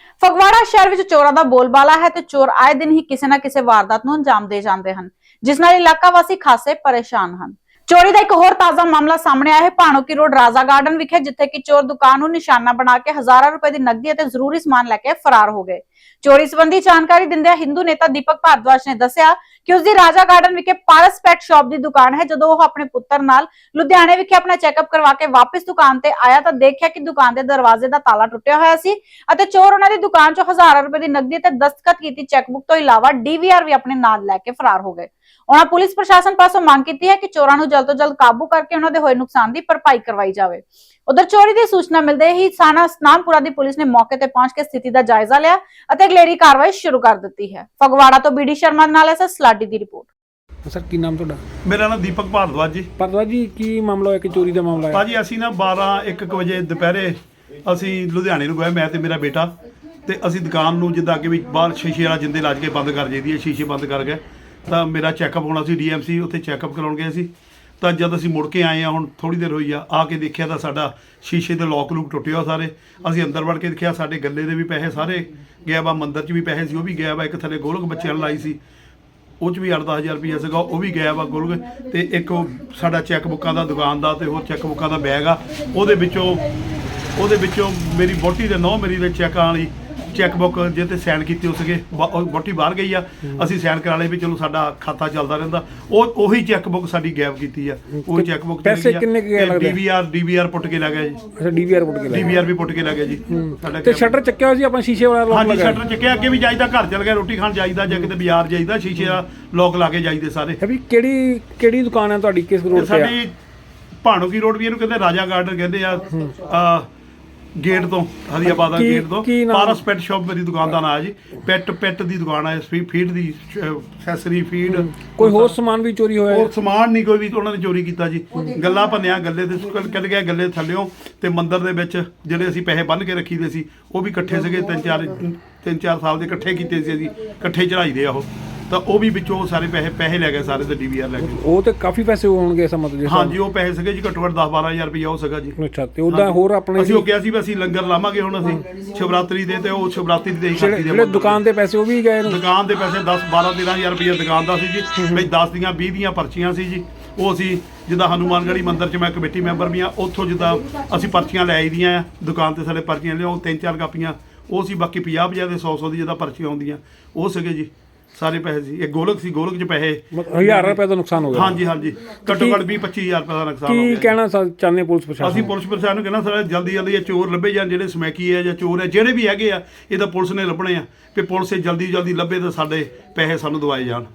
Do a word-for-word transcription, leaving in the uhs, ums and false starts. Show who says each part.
Speaker 1: ਫਗਵਾੜਾ ਸ਼ਹਿਰ ਵਿੱਚ ਚੋਰਾਂ ਦਾ ਬੋਲਬਾਲਾ ਹੈ ਤੇ ਚੋਰ ਆਏ ਦਿਨ ਹੀ ਕਿਸੇ ਨਾ ਕਿਸੇ ਵਾਰਦਾਤ ਨੂੰ ਅੰਜਾਮ ਦੇ ਜਾਂਦੇ ਹਨ, ਜਿਸ ਨਾਲ ਇਲਾਕਾ ਵਾਸੀ ਖਾਸੇ ਪਰੇਸ਼ਾਨ ਹਨ। ਚੋਰੀ ਦਾ ਇੱਕ ਹੋਰ ਤਾਜ਼ਾ ਮਾਮਲਾ ਸਾਹਮਣੇ ਆਇਆ ਹੈ ਭਾਣੋਕੀ ਰੋਡ ਰਾਜ਼ਾ ਗਾਰਡਨ ਵਿਖੇ, ਜਿੱਥੇ ਕਿ ਚੋਰ ਦੁਕਾਨ ਨੂੰ ਨਿਸ਼ਾਨਾ ਬਣਾ ਕੇ ਹਜ਼ਾਰਾਂ ਰੁਪਏ ਦੀ ਨਕਦੀ ਅਤੇ ਜ਼ਰੂਰੀ ਸਮਾਨ ਲੈ ਕੇ ਫਰਾਰ ਹੋ ਗਏ। ਚੋਰੀ ਸੰਬੰਧੀ ਜਾਣਕਾਰੀ ਦਿੰਦਿਆਂ ਹਿੰਦੂ ਨੇਤਾ ਦੀਪਕ ਭਾਰਦਵਾਜ ਨੇ ਦੱਸਿਆ ਕਿ ਉਸ ਦੀ ਰਾਜ਼ਾ ਗਾਰਡਨ ਵਿਖੇ ਪਾਰਸ ਪੈਟ ਸ਼ਾਪ ਦੀ ਦੁਕਾਨ ਹੈ। ਜਦੋਂ ਉਹ ਆਪਣੇ ਪੁੱਤਰ ਨਾਲ ਲੁਧਿਆਣੇ ਵਿਖੇ ਆਪਣਾ ਚੈੱਕਅਪ ਕਰਵਾ ਕੇ ਵਾਪਸ ਦੁਕਾਨ ਤੇ ਆਇਆ ਤਾਂ ਦੇਖਿਆ ਕਿ ਦੁਕਾਨ ਦੇ ਦਰਵਾਜ਼ੇ ਦਾ ਤਾਲਾ ਟੁੱਟਿਆ ਹੋਇਆ ਸੀ ਅਤੇ ਚੋਰ ਉਹਨਾਂ ਦੀ ਦੁਕਾਨ ਚੋਂ ਹਜ਼ਾਰਾਂ ਰੁਪਏ ਦੀ ਨਕਦੀ ਤੇ ਦਸਤਖਤ ਕੀਤੀ ਚੈੱਕਬੁੱਕ ਤੋਂ ਇਲਾਵਾ ਡੀਵੀਆਰ ਵੀ ਆਪਣੇ ਨਾਲ ਲੈ ਕੇ ਫਰਾਰ ਹੋ ਗਏ। ਉਹਨਾਂ ਪੁਲਿਸ ਪ੍ਰਸ਼ਾਸਨ ਪਾਸੋਂ ਮੰਗ ਕੀਤੀ ਹੈ ਕਿ ਚੋਰਾਂ ਨੂੰ ਜਲਦ ਤੋਂ ਜਲਦ ਕਾਬੂ ਕਰਕੇ ਉਹਨਾਂ ਦੇ ਹੋਏ ਨੁਕਸਾਨ ਦੀ ਭਰਪਾਈ ਕਰਵਾਈ ਜਾਵੇ। ਉਧਰ ਚੋਰੀ ਦੀ ਸੂਚਨਾ ਮਿਲਦੇ ਹੀ ਥਾਣਾ ਸਨਾਮਪੁਰਾ ਦੀ ਪੁਲਿਸ ਨੇ ਮੌਕੇ ਤੇ ਪਹੁੰਚ ਕੇ ਸਥਿਤੀ ਦਾ ਜਾਇਜ਼ਾ ਲਿਆ ਅਤੇ ਅਗਲੇਰੀ ਕਾਰਵਾਈ ਸ਼ੁਰੂ ਕਰ ਦਿੱਤੀ ਹੈ। ਫਗਵਾੜਾ ਤੋਂ ਬੀਡੀ ਸ਼ਰਮਾ ਨਾਲ ਐਸ ਸਲਾਡੀ ਦੀ ਰਿਪੋਰਟ।
Speaker 2: ਸਰ ਕੀ ਨਾਮ ਤੁਹਾਡਾ?
Speaker 3: ਮੇਰਾ ਨਾਮ ਦੀਪਕ ਭਾਰਦਵਾਜ ਜੀ।
Speaker 2: ਭਾਰਦਵਾਜ ਜੀ, ਕੀ ਮਾਮਲਾ ਹੋਇਆ ਕਿ ਚੋਰੀ ਦਾ ਮਾਮਲਾ ਹੈ?
Speaker 3: ਭਾਜੀ ਅਸੀਂ ਨਾ ਬਾਰਾਂ ਇੱਕ ਵਜੇ ਦੁਪਹਿਰੇ ਅਸੀਂ ਲੁਧਿਆਣੇ ਨੂੰ ਗਏ, ਮੈਂ ਤੇ ਮੇਰਾ ਬੇਟਾ, ਤੇ ਅਸੀਂ ਦੁਕਾਨ ਨੂੰ ਜਿੱਦਾਂ ਕਿ ਵੀ ਬਾਹਰ ਸ਼ੀਸ਼ੇ ਵਾਲਾ ਜਿੰਦੇ ਲਾ ਕੇ ਬੰਦ ਕਰ ਜਾਈਦੀ ਹੈ, ਸ਼ੀਸ਼ੇ ਬੰਦ ਕਰ ਗਏ। ਤਾਂ ਮੇਰਾ ਚੈੱਕਅਪ ਹੋਣਾ ਸੀ ਡੀਐਮਸੀ, ਉੱਥੇ ਚੈੱਕਅਪ ਕਰਾਉਣ ਗਏ ਸੀ। ਤਾਂ ਜਦ ਅਸੀਂ ਮੁੜ ਕੇ ਆਏ ਆ, ਹੁਣ ਥੋੜੀ ਦੇਰ ਹੋਈ ਆ, ਆ ਕੇ ਦੇਖਿਆ ਤਾਂ ਸਾਡਾ ਸ਼ੀਸ਼ੇ ਦੇ ਲੋਕ ਲੂਕ ਟੁੱਟੇ ਹੋ ਸਾਰੇ। ਅਸੀਂ ਅੰਦਰ ਵੜ ਕੇ ਦੇਖਿਆ, ਸਾਡੇ ਗੱਲੇ ਦੇ ਵੀ ਪੈਸੇ ਸਾਰੇ ਗਿਆ ਵਾ, ਮੰਦਰ 'ਚ ਵੀ ਪੈਸੇ ਸੀ ਉਹ ਵੀ ਗਿਆ ਵਾ, ਇੱਕ ਥੱਲੇ ਗੋਲਕ ਬੱਚਿਆਂ ਨੂੰ ਲਾਈ ਸੀ ਉਹ 'ਚ ਵੀ ਅੱਠ ਦਸ ਹਜ਼ਾਰ ਰੁਪਈਆ ਸੀਗਾ ਉਹ ਵੀ ਗਿਆ ਵਾ ਗੋਲਕ, ਤੇ ਇੱਕ ਉਹ ਸਾਡਾ ਚੈੱਕ ਬੁੱਕਾਂ ਦਾ ਦੁਕਾਨ ਦਾ ਤੇ ਹੋਰ ਚੈੱਕ ਬੁੱਕਾਂ ਦਾ ਬੈਗ ਆ, ਉਹਦੇ ਵਿੱਚੋਂ ਉਹਦੇ ਵਿੱਚੋਂ ਮੇਰੀ ਵਹੁਟੀ ਦੇ ਨੌ ਮੇਰੀ ਦੇ ਚੈੱਕਾਂ ਵਾਲੀ ਚੈੱਕ ਬੁੱਕ ਜੇ ਤੇ ਸਾਈਨ ਕੀਤੇ ਹੋ ਸੀਗੇ, ਵਹੁਟੀ ਬਾਹਰ ਗਈ ਆ, ਅਸੀਂ ਸਾਈਨ ਕਰਾ ਲਏ ਵੀ ਚਲੋ ਸਾਡਾ ਖਾਤਾ ਚੱਲਦਾ ਰਹਿੰਦਾ। ਉਹ ਉਹੀ ਚੈੱਕ ਬੁੱਕ ਸਾਡੀ ਗਾਇਬ ਕੀਤੀ ਆ, ਉਹ ਚੈੱਕ ਬੁੱਕ
Speaker 2: ਪੈਸੇ ਕਿੰਨੇ ਕੁ ਗਏ ਲੱਗਦਾ?
Speaker 3: ਡੀਵੀਆਰ ਡੀਵੀਆਰ ਪੁੱਟ ਕੇ ਲੈ ਗਿਆ ਜੀ।
Speaker 2: ਅੱਛਾ, ਡੀਵੀਆਰ ਪੁੱਟ ਕੇ ਲੈ ਗਿਆ।
Speaker 3: ਡੀਵੀਆਰ ਵੀ ਪੁੱਟ ਕੇ ਲੈ ਗਿਆ ਜੀ ਸਾਡਾ।
Speaker 2: ਤੇ ਸ਼ਟਰ ਚੱਕਿਆ ਹੋਇਆ ਸੀ ਆਪਣਾ ਸ਼ੀਸ਼ੇ ਵਾਲਾ ਲੋਕ
Speaker 3: ਹਾਂਜੀ,
Speaker 2: ਲਗਾਇਆ?
Speaker 3: ਸ਼ਟਰ ਚੱਕਿਆ, ਅੱਗੇ ਵੀ ਜਾਈਦਾ, ਘਰ ਚਲ ਗਿਆ ਰੋਟੀ ਖਾਣ ਜਾਈਦਾ ਜਾਂ ਕਿਤੇ ਬਾਜ਼ਾਰ ਜਾਈਦਾ, ਸ਼ੀਸ਼ੇ ਦਾ ਲੋਕ ਲਾ ਕੇ ਜਾਈਦੇ ਸਾਰੇ।
Speaker 2: ਵੀ ਕਿਹੜੀ ਕਿਹੜੀ ਦੁਕਾਨ ਹੈ ਤੁਹਾਡੀ, ਕਿਸ ਰੋਡ ਤੇ ਆ?
Speaker 3: ਸਾਡੀ ਭਾਣੋਕੀ ਰੋਡ ਵੀ ਇਹਨੂੰ ਕਹਿੰਦੇ ਰਾਜਾ ਗਾਰਡਨ ਕਹਿੰਦੇ ਆ, ਆ ਗੇਟ ਤੋਂ ਹਰੀਆਬਾਦ ਦਾ ਗੇਟ ਤੋਂ ਪਾਰਸ ਪੈਟ ਸ਼ਾਪ ਮੇਰੀ ਦੁਕਾਨ ਦਾ ਨਾਮ ਹੈ ਜੀ। ਪੈਟ ਪੈਟ ਦੀ ਦੁਕਾਨ ਹੈ, ਫੀਡ ਦੀ ਐਕਸੈਸਰੀ ਫੀਡ।
Speaker 2: ਕੋਈ ਹੋਰ ਸਮਾਨ ਵੀ ਚੋਰੀ ਹੋਇਆ?
Speaker 3: ਹੋਰ ਸਮਾਨ ਨਹੀਂ ਕੋਈ ਵੀ ਉਹਨਾਂ ਨੇ ਚੋਰੀ ਕੀਤਾ ਜੀ। ਗੱਲਾਂ ਭੰਨਿਆ, ਗੱਲੇ ਦੇ ਕੱਢ ਗਿਆ ਗੱਲੇ ਥੱਲਿਓਂ, ਤੇ ਮੰਦਰ ਦੇ ਵਿੱਚ ਜਿਹੜੇ ਅਸੀਂ ਪੈਸੇ ਬੰਨ੍ਹ ਕੇ ਰੱਖੀ ਦੇ ਸੀ ਉਹ ਵੀ ਇਕੱਠੇ ਸੀਗੇ, ਤਿੰਨ ਚਾਰ ਤਿੰਨ ਚਾਰ ਸਾਲ ਦੇ ਇਕੱਠੇ ਕੀਤੇ ਸੀ ਅਸੀਂ, ਇਕੱਠੇ ਚੜਾਈਦੇ ਆ ਉਹ, ਤਾਂ ਉਹ ਵੀ ਵਿੱਚੋਂ ਸਾਰੇ ਪੈਸੇ ਪੈਸੇ ਲੈ ਗਏ ਸਾਰੇ, ਤੇ ਡੀਵੀਆਰ ਲੈ ਗਏ।
Speaker 2: ਉਹ ਤੇ ਕਾਫੀ ਪੈਸੇ ਹੋਣਗੇ ਇਸ ਮਤਲਬ ਜੀ?
Speaker 3: ਹਾਂਜੀ, ਉਹ ਪੈਸੇ ਸੀਗੇ ਜੀ ਘੱਟੋ ਘੱਟ ਦਸ ਬਾਰਾਂ ਹਜ਼ਾਰ ਰੁਪਇਆ ਉਹ ਸੀਗਾ ਜੀ।
Speaker 2: ਅੱਛਾ, ਤੇ ਉਹਦਾ ਹੋਰ ਆਪਣੇ
Speaker 3: ਅਸੀਂ ਉਹ ਕਿਹਾ ਸੀ ਵੀ ਅਸੀਂ ਲੰਗਰ ਲਾਵਾਂਗੇ ਹੁਣ ਅਸੀਂ ਸ਼ਿਵਰਾਤਰੀ ਦੇ, ਤੇ ਉਹ ਸ਼ਿਵਰਾਤਰੀ ਦੇ
Speaker 2: ਜਿਹੜੇ ਦੁਕਾਨ ਦੇ ਪੈਸੇ ਉਹ ਵੀ ਗਏ ਨੇ?
Speaker 3: ਦੁਕਾਨ ਦੇ ਪੈਸੇ ਦਸ ਬਾਰਾਂ ਤੇਰਾਂ ਹਜ਼ਾਰ ਰੁਪਇਆ ਦੁਕਾਨ ਦਾ ਸੀ ਜੀ। ਬਈ ਦਸ ਦੀਆਂ ਵੀਹ ਦੀਆਂ ਪਰਚੀਆਂ ਸੀ ਜੀ, ਉਹ ਅਸੀਂ ਜਿੱਦਾਂ ਹਨੂੰਮਾਨਗੜ੍ਹੀ ਮੰਦਿਰ 'ਚ ਮੈਂ ਕਮੇਟੀ ਮੈਂਬਰ ਵੀ ਆ, ਉੱਥੋਂ ਜਿੱਦਾਂ ਅਸੀਂ ਪਰਚੀਆਂ ਲੈ ਆਈ ਦੀਆਂ ਆ ਦੁਕਾਨ ਤੇ, ਸਾਡੇ ਪਰਚੀਆਂ ਲਿਆਓ ਤਿੰਨ ਚਾਰ ਕਾਪੀਆਂ ਉਹ ਸੀ, ਬਾਕੀ ਪੰਜਾਹ ਪੰਜਾਹ ਦੇ ਸੌ ਸੌ ਦੀ ਜਿੱਦਾਂ ਪਰਚੀਆਂ ਆਉਂਦੀਆਂ ਉਹ ਸੀਗੇ ਜੀ ਸਾਰੇ ਪੈਸੇ ਸੀ। ਇੱਕ ਗੋਲਕ ਸੀ, ਗੋਲਕ 'ਚ ਪੈਸੇ
Speaker 2: ਹਜ਼ਾਰ ਰੁਪਏ ਦਾ ਨੁਕਸਾਨ ਹੋ ਗਿਆ?
Speaker 3: ਹਾਂਜੀ ਹਾਂਜੀ, ਘੱਟੋ ਘੱਟ ਵੀਹ ਪੱਚੀ ਹਜ਼ਾਰ ਰੁਪਏ ਦਾ ਨੁਕਸਾਨ ਹੋ ਗਿਆ।
Speaker 2: ਕੀ ਕਹਿਣਾ ਚਾਹੁੰਦੇ ਪੁਲਿਸ ਪ੍ਰਸ਼ਾਸਨ?
Speaker 3: ਅਸੀਂ ਪੁਲਿਸ ਪ੍ਰਸ਼ਾਸਨ ਨੂੰ ਕਹਿਣਾ ਸਰ ਜਲਦੀ ਜਲਦੀ ਇਹ ਚੋਰ ਲੱਭੇ ਜਾਣ, ਜਿਹੜੇ ਸਮੈਕੀ ਹੈ ਜਾਂ ਚੋਰ ਹੈ ਜਿਹੜੇ ਵੀ ਹੈਗੇ ਆ, ਇਹ ਤਾਂ ਪੁਲਿਸ ਨੇ ਲੱਭਣੇ ਆ, ਕਿ ਪੁਲਿਸ ਜਲਦੀ ਜਲਦੀ ਲੱਭੇ ਤਾਂ ਸਾਡੇ ਪੈਸੇ ਸਾਨੂੰ ਦਵਾਏ ਜਾਣ।